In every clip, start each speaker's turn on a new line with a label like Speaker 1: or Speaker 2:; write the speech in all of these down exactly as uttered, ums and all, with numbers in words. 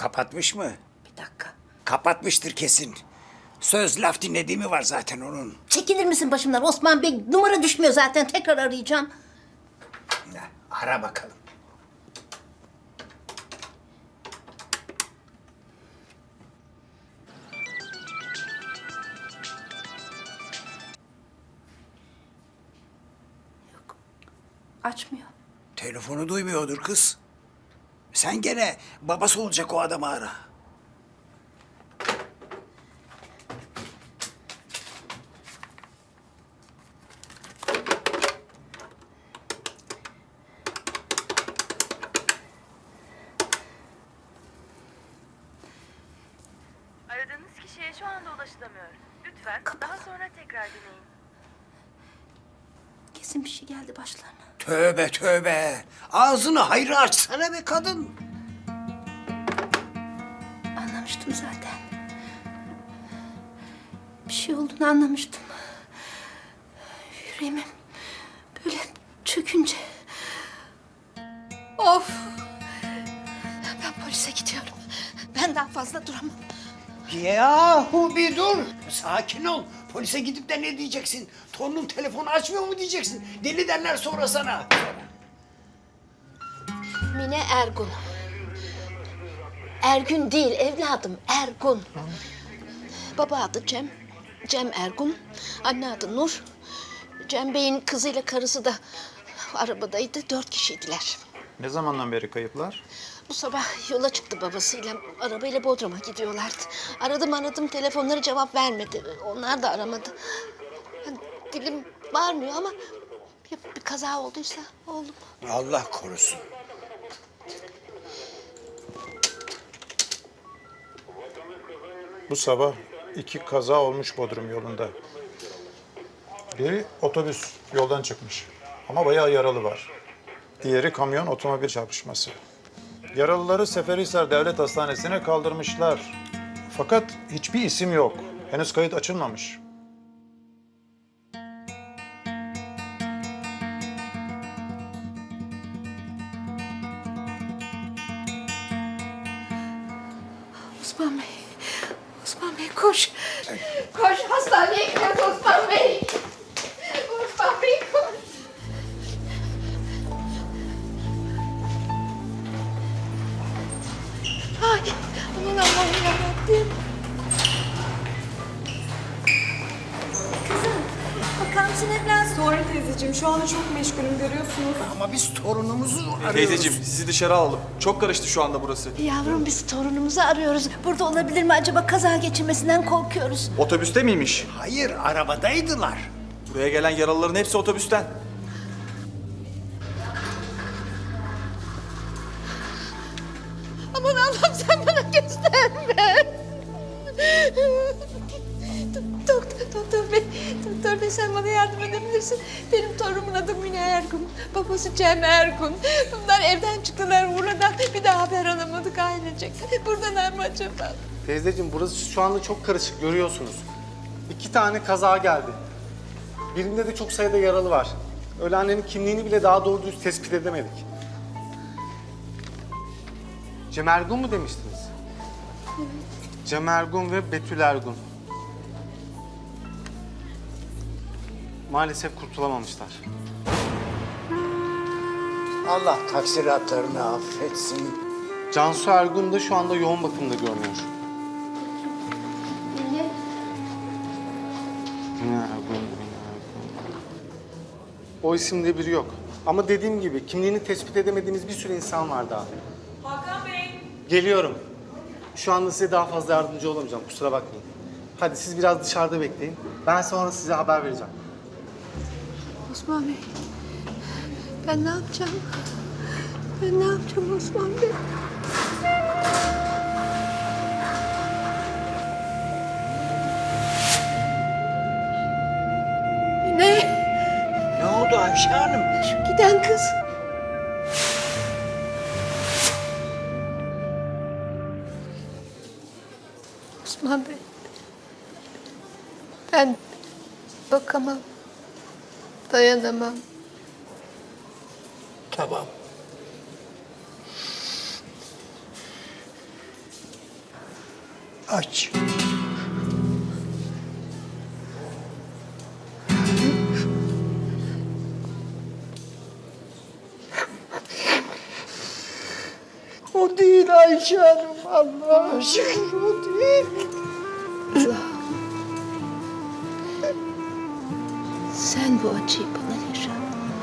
Speaker 1: Kapatmış mı?
Speaker 2: Bir dakika.
Speaker 1: Kapatmıştır kesin. Söz laf dinlediğimi var zaten onun.
Speaker 2: Çekilir misin başımdan Osman Bey? Numara düşmüyor zaten. Tekrar arayacağım.
Speaker 1: Ya, ara bakalım.
Speaker 2: Açmıyor.
Speaker 1: Telefonu duymuyordur kız. Sen gene babası olacak o adamı ara.
Speaker 3: Aradığınız kişiye şu anda ulaşılamıyor. Lütfen daha sonra tekrar deneyin.
Speaker 2: Kesin bir şey geldi başlarına.
Speaker 1: Tövbe tövbe. Ağzını hayra açsana be kadın.
Speaker 2: Anlamıştım zaten. Bir şey olduğunu anlamıştım. Yüreğimim böyle çökünce... Of! Ben polise gidiyorum. Ben daha fazla duramam.
Speaker 1: Yahu bir dur. Sakin ol. Polise gidip de ne diyeceksin? Torunun telefonu açmıyor mu diyeceksin? Deli derler sonra sana.
Speaker 2: Mine Ergun. Ergün değil evladım, Ergun. Baba adı Cem, Cem Ergun. Anne adı Nur. Cem Bey'in kızıyla karısı da arabadaydı, dört kişiydiler.
Speaker 4: Ne zamandan beri kayıplar?
Speaker 2: Bu sabah yola çıktı babasıyla, arabayla Bodrum'a gidiyorlardı. Aradım aradım, telefonları cevap vermedi. Onlar da aramadı. Yani dilim varmıyor ama ya bir kaza olduysa oğlum.
Speaker 1: Allah korusun.
Speaker 4: Bu sabah iki kaza olmuş Bodrum yolunda. Biri otobüs yoldan çıkmış ama bayağı yaralı var. Diğeri kamyon otomobil çarpışması. Yaralıları Seferihisar Devlet Hastanesi'ne kaldırmışlar. Fakat hiçbir isim yok. Henüz kayıt açılmamış.
Speaker 2: Osman Bey, Osman Bey koş. Koş, hastaneye gidiyoruz Osman Bey. Osman Bey koş. Ay, aman Allah'ım yarabbim. Kızım, bakar mısın evladım?
Speaker 5: Sonra teyzeciğim, şu anda çok meşgulüm görüyorsunuz.
Speaker 1: Ama biz torunumuzu arıyoruz.
Speaker 6: Teyzeciğim sizi dışarı alalım. Çok karıştı şu anda burası.
Speaker 2: Yavrum biz torunumuzu arıyoruz. Burada olabilir mi acaba? Kaza geçirmesinden korkuyoruz.
Speaker 6: Otobüste miymiş?
Speaker 1: Hayır, arabadaydılar.
Speaker 6: Buraya gelen yaralıların hepsi otobüsten.
Speaker 2: Aman Allah'ım sen bana gösterme. Doktor, doktor bey, doktor bey sen bana yardım edebilirsin. Benim torunumun adı Mine Ergun, babası Cem Ergun. Bunlar evden çıktılar Urla'dan, bir daha haber alamadık ailecek. Buradalar mı acaba?
Speaker 7: Teyzeciğim burası şu anda çok karışık görüyorsunuz. İki tane kaza geldi. Birinde de çok sayıda yaralı var. Ölenlerin kimliğini bile daha doğru düz tespit edemedik. Cem Ergun mu demiştiniz? Evet. Cem Ergun ve Betül Ergun. Maalesef kurtulamamışlar.
Speaker 1: Allah taksiratlarını affetsin.
Speaker 7: Cansu Ergun da şu anda yoğun bakımda görünüyor.
Speaker 2: Mine.
Speaker 7: Mine Ergun, Mine Ergun. O isimde biri yok. Ama dediğim gibi kimliğini tespit edemediğimiz bir sürü insan var daha.
Speaker 5: Hakan Bey!
Speaker 7: Geliyorum. Şu anda size daha fazla yardımcı olamayacağım, kusura bakmayın. Hadi siz biraz dışarıda bekleyin. Ben sonra size haber vereceğim.
Speaker 2: Osman Bey, ben ne yapacağım? Ben ne yapacağım Osman Bey? Ne?
Speaker 1: Ne oldu Ayşe Hanım?
Speaker 2: Şu giden kız. Osman Bey, ben bakamam, dayanamam.
Speaker 1: Tamam. Aç. O değil Ayşe Hanım. Allah'a şükür o değil.
Speaker 2: Sen bu acıyı bana yaşat.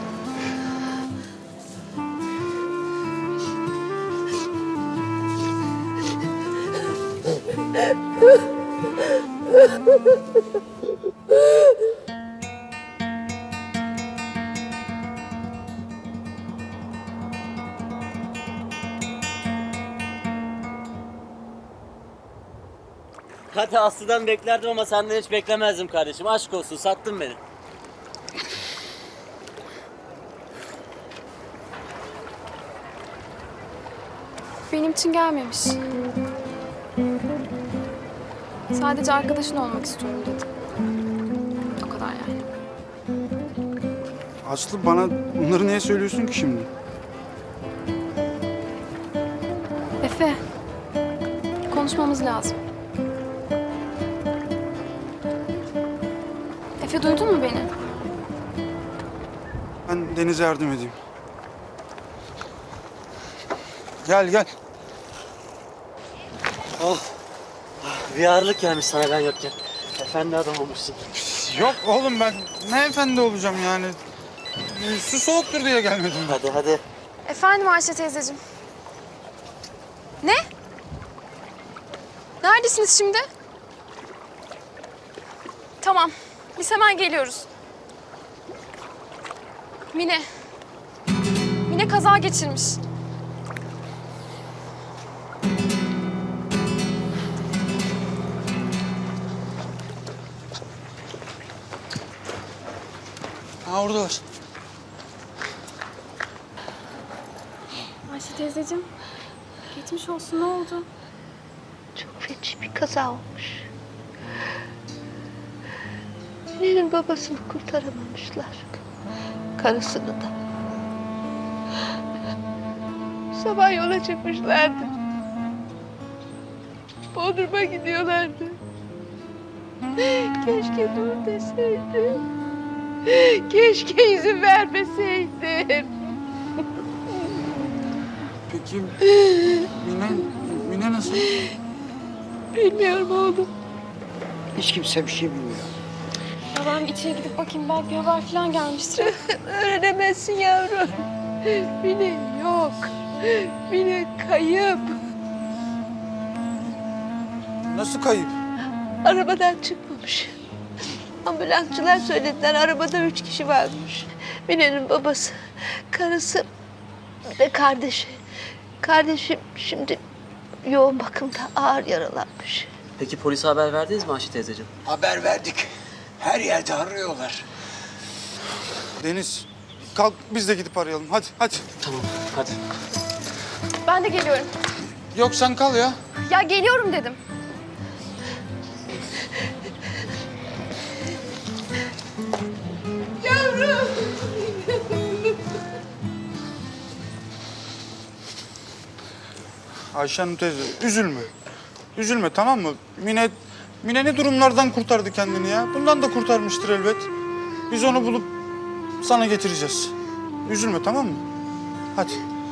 Speaker 8: Hadi Aslı'dan beklerdim ama senden hiç beklemezdim kardeşim. Aşk olsun, sattın beni.
Speaker 9: Benim için gelmemiş. Sadece arkadaşın olmak istiyorum dedi. O kadar yani.
Speaker 10: Aslı bana bunları niye söylüyorsun ki şimdi?
Speaker 9: Efe, konuşmamız lazım. Efe duydun mu beni?
Speaker 10: Ben Deniz'e yardım edeyim. Gel gel.
Speaker 8: Oh, bir ağırlık gelmiş sana ben yokken. Efendi adam olmuşsun.
Speaker 10: Yok oğlum ben ne efendi olacağım yani. Su soğuktur diye gelmedim.
Speaker 8: Hadi hadi.
Speaker 9: Efendim Ayşe teyzeciğim. Ne? Neredesiniz şimdi? Tamam, biz hemen geliyoruz. Mine. Mine kaza geçirmiş.
Speaker 10: Ha oradalar.
Speaker 9: Ayşe teyzeciğim, geçmiş olsun, ne oldu?
Speaker 2: Çok feci bir kaza olmuş. Mine'nin babasını kurtaramamışlar. Karısını da. Sabah yola çıkmışlardı. Bodrum'a gidiyorlardı. Keşke dur deseydim. Keşke izin vermeseydim.
Speaker 10: Peki Mine, Mine nasıl?
Speaker 2: Bilmiyorum oğlum.
Speaker 1: Hiç kimse bir şey bilmiyor.
Speaker 9: Ya ben bir içeri gidip bakayım, belki bir haber falan gelmiştir.
Speaker 2: Öğrenemezsin yavrum. Mine yok. Mine kayıp.
Speaker 10: Nasıl kayıp?
Speaker 2: Arabadan çıkmamış. Ambulansçılar söylediler, arabada üç kişi varmış. Mine'nin babası, karısı ve kardeşi. Kardeşim şimdi yoğun bakımda ağır yaralanmış.
Speaker 8: Peki polise haber verdiniz mi Ayşe teyzeciğim?
Speaker 1: Haber verdik. Her yerde arıyorlar.
Speaker 10: Deniz kalk biz de gidip arayalım. Hadi hadi.
Speaker 8: Tamam, hadi.
Speaker 9: Ben de geliyorum.
Speaker 10: Yok sen kal ya.
Speaker 9: Ya geliyorum dedim.
Speaker 10: Ayşe Hanım teyze üzülme. Üzülme tamam mı? Mine, Mine ne durumlardan kurtardı kendini ya. Bundan da kurtarmıştır elbet. Biz onu bulup sana getireceğiz. Üzülme tamam mı? Hadi.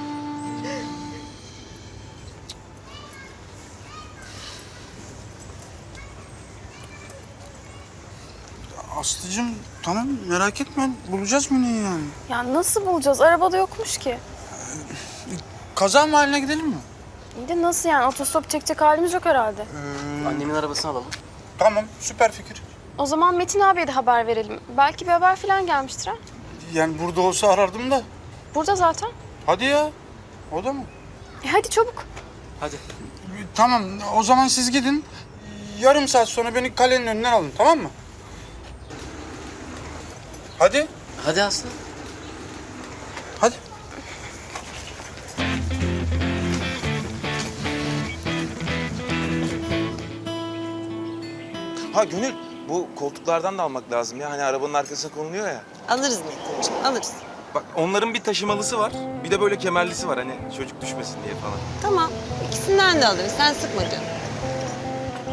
Speaker 10: Aslıcığım tamam merak etme. Bulacağız Mine'yi yani.
Speaker 9: Ya nasıl bulacağız? Arabada yokmuş ki.
Speaker 10: Kaza mahalline gidelim mi?
Speaker 9: İyi de nasıl yani? Otostop çekecek halimiz yok herhalde.
Speaker 8: Annemin arabasını alalım.
Speaker 10: Tamam süper fikir.
Speaker 9: O zaman Metin abiye de haber verelim. Belki bir haber falan gelmiştir ha.
Speaker 10: Yani burada olsa arardım da.
Speaker 9: Burada zaten.
Speaker 10: Hadi ya. O da mı?
Speaker 9: E hadi çabuk.
Speaker 8: Hadi.
Speaker 10: Tamam o zaman siz gidin. Yarım saat sonra beni kalenin önünden alın tamam mı? Hadi.
Speaker 8: Hadi Aslı.
Speaker 10: Hadi.
Speaker 11: Ha Gönül, bu koltuklardan da almak lazım ya. Hani arabanın arkasına konuluyor ya.
Speaker 12: Alırız Metin'ciğim, alırız.
Speaker 11: Bak onların bir taşımalısı var, bir de böyle kemerlisi var. Hani çocuk düşmesin diye falan.
Speaker 12: Tamam, ikisinden de alırız. Sen sıkma canım.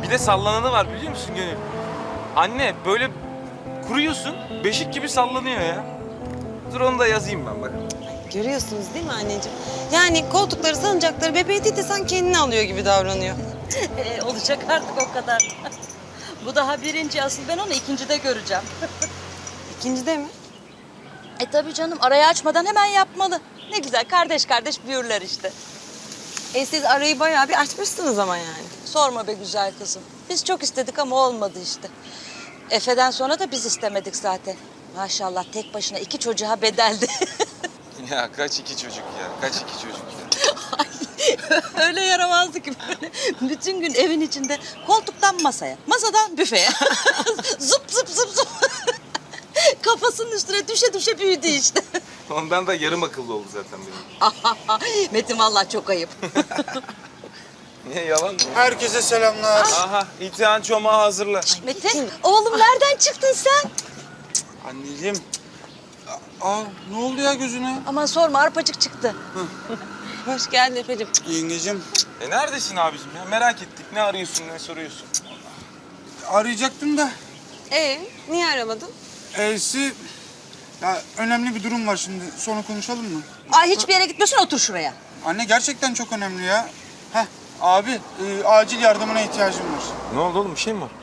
Speaker 11: Bir de sallananı var biliyor musun Gönül? Anne böyle kuruyorsun, beşik gibi sallanıyor ya. Dur onu da yazayım ben bak.
Speaker 12: Görüyorsunuz değil mi anneciğim? Yani koltukları, salıncakları bebeği değil de sen kendini alıyor gibi davranıyor.
Speaker 13: Ee, olacak artık o kadar. Bu daha birinci, asıl ben onu ikincide göreceğim.
Speaker 12: İkincide mi?
Speaker 13: E tabii canım, arayı açmadan hemen yapmalı. Ne güzel, kardeş kardeş büyürler işte.
Speaker 12: E siz arayı bayağı bir açmışsınız ama yani.
Speaker 13: Sorma be güzel kızım. Biz çok istedik ama olmadı işte. Efe'den sonra da biz istemedik zaten. Maşallah tek başına iki çocuğa bedeldi.
Speaker 11: Ya kaç iki çocuk ya, kaç iki çocuk ya.
Speaker 13: Öyle yaramazdı ki böyle. Bütün gün evin içinde koltuktan masaya, masadan büfeye. Zıp zıp zıp zıp. Kafasının üstüne düşe düşe büyüdü işte.
Speaker 11: Ondan da yarım akıllı oldu zaten benim.
Speaker 13: Metin vallahi çok ayıp.
Speaker 11: Niye yalan mı?
Speaker 10: Herkese selamlar.
Speaker 11: Aha, İtihan çomağı hazırla.
Speaker 13: Metin, oğlum nereden çıktın sen?
Speaker 10: Anneciğim. Aa, ne oldu ya gözüne?
Speaker 13: Aman sorma, arpacık çıktı.
Speaker 12: Hoş geldin Efe'cim.
Speaker 10: Yengecim.
Speaker 11: E neredesin abicim ya? Merak ettik. Ne arıyorsun, ne soruyorsun?
Speaker 10: Arayacaktım da.
Speaker 12: Ee, niye aramadın?
Speaker 10: E'si... Ya önemli bir durum var şimdi. Sonra konuşalım mı?
Speaker 13: Ay hiçbir yere gitmiyorsun, otur şuraya.
Speaker 10: Anne gerçekten çok önemli ya. Heh, abi e, acil yardımına ihtiyacım var.
Speaker 11: Ne oldu oğlum? Bir şey mi var?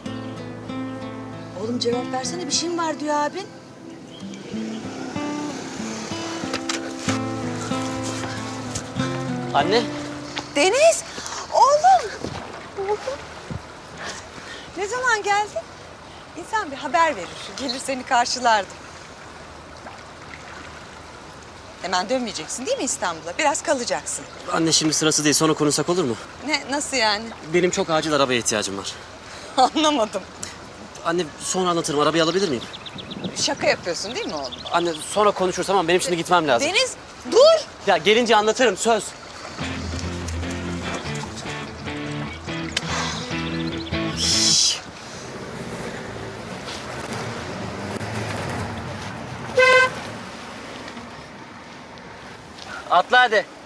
Speaker 13: Oğlum cevap versene, bir şeyin var diyor abin.
Speaker 8: Anne.
Speaker 12: Deniz, oğlum. Oğlum. Ne zaman geldin? İnsan bir haber verir. Gelir seni karşılardı. Hemen dönmeyeceksin değil mi İstanbul'a? Biraz kalacaksın.
Speaker 8: Anne şimdi sırası değil. Sonra konuşsak olur mu?
Speaker 12: Ne, nasıl yani?
Speaker 8: Benim çok acil arabaya ihtiyacım var.
Speaker 12: Anlamadım.
Speaker 8: Anne sonra anlatırım. Arabayı alabilir miyim?
Speaker 12: Şaka yapıyorsun değil mi oğlum?
Speaker 8: Anne sonra konuşuruz tamam. Benim şimdi gitmem lazım.
Speaker 12: Deniz, dur.
Speaker 8: Ya gelince anlatırım söz. Atla hadi.